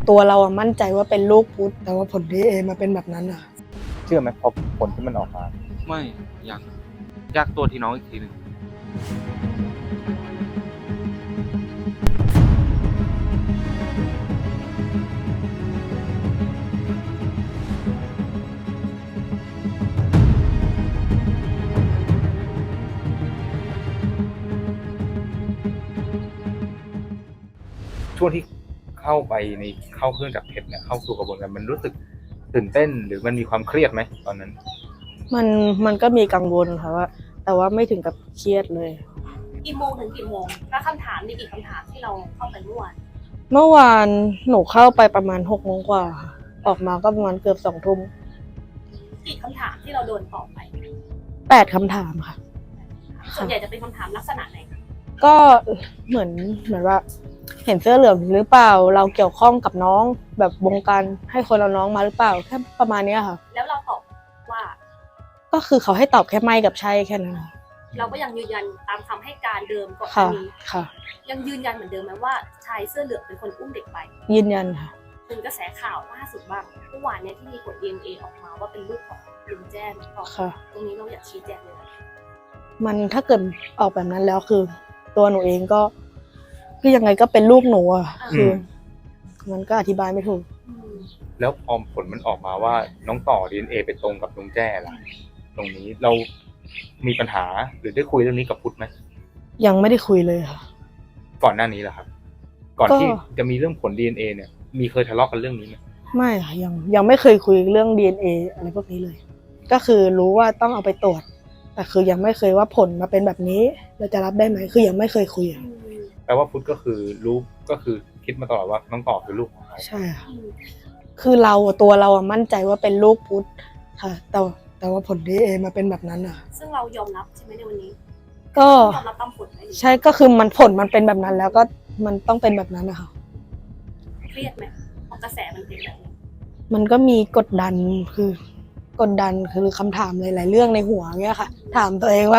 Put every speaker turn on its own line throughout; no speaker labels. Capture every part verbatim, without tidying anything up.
ตัวเราอะมั่นใจว่าเป็นลูกพุทธแต่ว่าผล ดี เอ็น เอ มาเป็นแบบนั้นอะ
เชื่อไหมพอผลที่มันออกมา
ไม่ยังแยกตัวที่น้องอีกทีหนึ่ง
ช่วงที่เข้าไปในเข้าเครื่องจับเท็จเนี่ยเข้าสู่กระบวนการมันรู้สึกตื่นเต้นหรือมันมีความเครียดไหมตอนนั้น
มันมันก็มีกังวลค่ะว่าแต่ว่าไม่ถึงกับเครียดเลย
กี่โมงถึงกี่โมงแล้วคำถามมีกี่คำถามที่เราเข้าไปเมื่อวาน
เมื่อวานหนูเข้าไปประมาณหกโมงกว่าค่ะออกมาก็ประมาณเกือบสองทุ่ม
กี่คำถามที่เราโดนตอบไป
แปดคำถามค่ะ
ส่วนใหญ่จะเป็นคำถามลักษณะไหน
ก็เหมือนเหมือนว่าเห็นเสื้อเหลืองหรือเปล่าเราเกี่ยวข้องกับน้องแบบวงการให้คนเราน้องมาหรือเปล่าแค่ประมาณนี้ค่ะ
แล้วเราตอบว่า
ก็คือเขาให้ตอบแค่ไม่กับใช่แค่นั้นค่ะ
เราก็ยังยืนยันตามคำให้การเดิมก่อน
ค่ะ
นี้
ค่ะ
ยังยืนยันเหมือนเดิมไหมว่าชายเสื้อเหลืองเป็นคนอุ้มเด็กไป
ยืนยันค่ะ
เป็นกระแสข่าวล่าสุดบ้างเมื่อวานเนี่ยที่มีผล ดี เอ็น เอ ออกมาว่าเป็นลูกของลุงแจ้ง
ค่ะ
ตรงนี้เราอยากชี้แจงเลย
มันถ้าเกิดออกแบบนั้นแล้วคือตัวหนูเองก็คือยังไงก็เป็นลูกหนูอ่ะคือมันก็อธิบายไม่ถูก
แล้วพอผลมันออกมาว่าน้องต่อ ดี เอ็น เอ ไปตรงกับลุงแจ้ล่ะตรงนี้เรามีปัญหาหรือได้คุยเรื่องนี้กับพุทธไหม
ยังไม่ได้คุยเลยค่ะ
ก่อนหน้านี้แหละครับก่อนที่จะมีเรื่องผล ดี เอ็น เอ เนี่ยมีเคยทะเลาะกันเรื่องนี้ไหม
ไม่ค่ะยังยังไม่เคยคุยเรื่อง ดี เอ็น เอ อะไรพวกนี้เลยก็คือรู้ว่าต้องเอาไปตรวจแต่คือยังไม่เคยว่าผลมาเป็นแบบนี้เราจะรับได้ไหมคือยังไม่เคยคุยอ่ะ
แปลว่าพุทธก็คือรู้ก็คือคิดมาตลอดว่าน้องต่อคือลูกของเขา
ใช่ค่ะคือเราตัวเราอะมั่นใจว่าเป็นลูกพุทธค่ะแต่แต่ว่าผล ดี เอ็น เอ มาเป็นแบบนั้นอ่ะ
ซึ่งเรายอมรับใช่ไหมในวันนี้
ก็
ยอมรับตามผลไหม
ใช่ก็คือมันผลมันเป็นแบบนั้นแล้วก็มันต้องเป็นแบบนั้นนะคะ
เครียดไหมพอกระแสมันเป็นแบบนี้
มันก็มีกดดันคือกดดันคือคำถามหลายๆเรื่องในหัวเงี้ยค่ะถามตัวเองว่า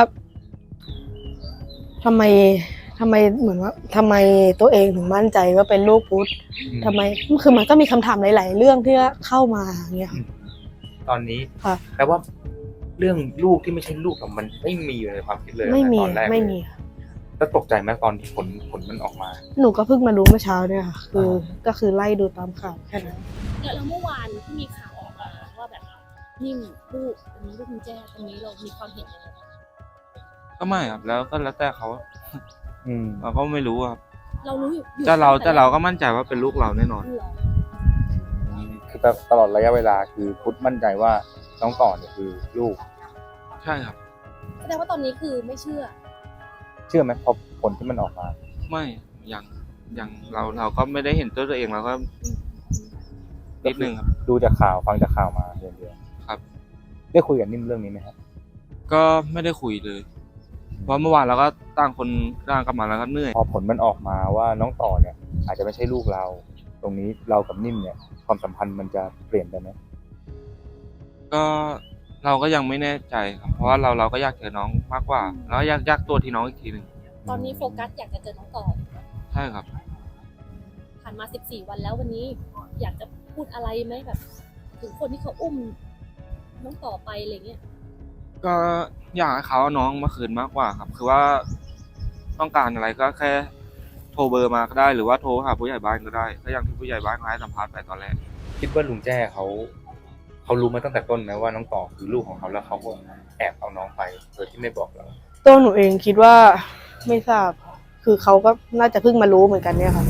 ทำไมทำไมเหมือนว่าทำไมตัวเองถึงมั่นใจว่าเป็นลูกพุทธทำไมคือมันก็มีคำถามหลายๆเรื่องที่เข้ามาเงี้ย
ตอนนี้แปลว่าเรื่องลูกที่ไม่ใช่ลูกมันไม่มีอยู่ในความคิดเลย
ไม่มี
ตอนแรก
ไม่มี
แล้วตกใจไหมตอนที่ผลผลมันออกมา
หนูก็เพิ่งมารู้เมื่อเช้าเนี่ยค่ะคือก็คือไล่ดูตามข่าวแค่นั้น
แล้วเมื่อวานที่มีข่าวออกมาว่าแบบนิ่มลูกอันนี้ลูกคุณแจ้ตรงนี้เรามีความเห็นยังไง
ก็ไม่ครับแล้วก็แล้วแต่เขา
อืม
เราก็ไม่รู้ครับ
เรารู้อยู่
แต่เราแต่เราก็มั่นใจว่าเป็นลูกเราแน่นอน
คือตลอดระยะเวลาคือพุทธมั่นใจว่าน้องต่อเนี่ยคือลูก
ใช่ครับ
แสดงว่าตอนนี้คือไม่เชื่อ
เชื่อไหมพอผลที่มันออกมา
ไม่ยังยังเราเราก็ไม่ได้เห็นตัวตัวเองเราก็นิดนึงครับ
ดูจากข่าวฟังจากข่าวมาเดียว
ครับ
ได้คุยกับนิ่มเรื่องนี้ไหมครับ
ก็ไม่ได้คุยเลยเพราะเมื่อวานเราก็ตั้งคนร่างกลับมาแล้วก็เหนื่อย
พอผลมันออกมาว่าน้องต่อเนี่ยอาจจะไม่ใช่ลูกเราตรงนี้เรากับนิ่มเนี่ยความสัมพันธ์มันจะเปลี่ยนไปไหม
ก็เราก็ยังไม่แน่ใจครับเพราะว่าเราเราก็อยากเจอน้องมากกว่าแล้วอยากอยากตัวที่น้องอีกทีหนึ่ง
ตอนนี้โฟกัสอยากจะเจอน้องต่อ
ใช่ครับ
ผ่านมาสิบสี่วันแล้ววันนี้อยากจะพูดอะไรไหมแบบถึงคนที่เขาอุ้มน้องต่อไปอะไรเงี้ย
ก็อยากให้เขาเอาน้องมาคืนมากกว่าครับคือว่าต้องการอะไรก็แค่โทรเบอร์มาก็ได้หรือว่าโทรหาผู้ใหญ่บ้านก็ได้ก็อย่างที่ผู้ใหญ่บ้านให้สัมภาษณ์ไปตอนแรก
คิดว่าลุงแจ้เขาเขารู้มาตั้งแต่ต้นไหมว่าน้องต่อคือลูกของเขาแล้วเขาก็แอบเอาน้องไปโดยที่ไม่บอกเรา
ตัวหนูเองคิดว่าไม่ทราบคือเขาก็น่าจะเพิ่งมารู้เหมือนกันเนี่ยค่ะ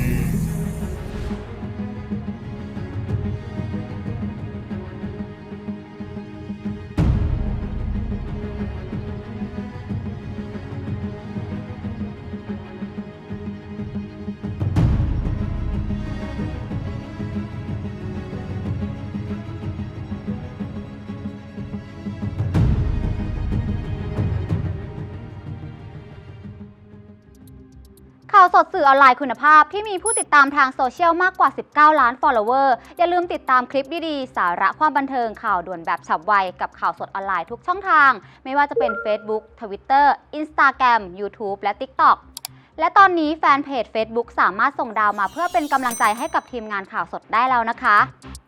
ข่าวสดสื่อออนไลน์คุณภาพที่มีผู้ติดตามทางโซเชียลมากกว่าสิบเก้าล้าน follower อย่าลืมติดตามคลิปดีๆสาระความบันเทิงข่าวด่วนแบบฉับไวกับข่าวสดออนไลน์ทุกช่องทางไม่ว่าจะเป็น Facebook Twitter Instagram YouTube และ TikTok และตอนนี้แฟนเพจ Facebook สามารถส่งดาวมาเพื่อเป็นกำลังใจให้กับทีมงานข่าวสดได้แล้วนะคะ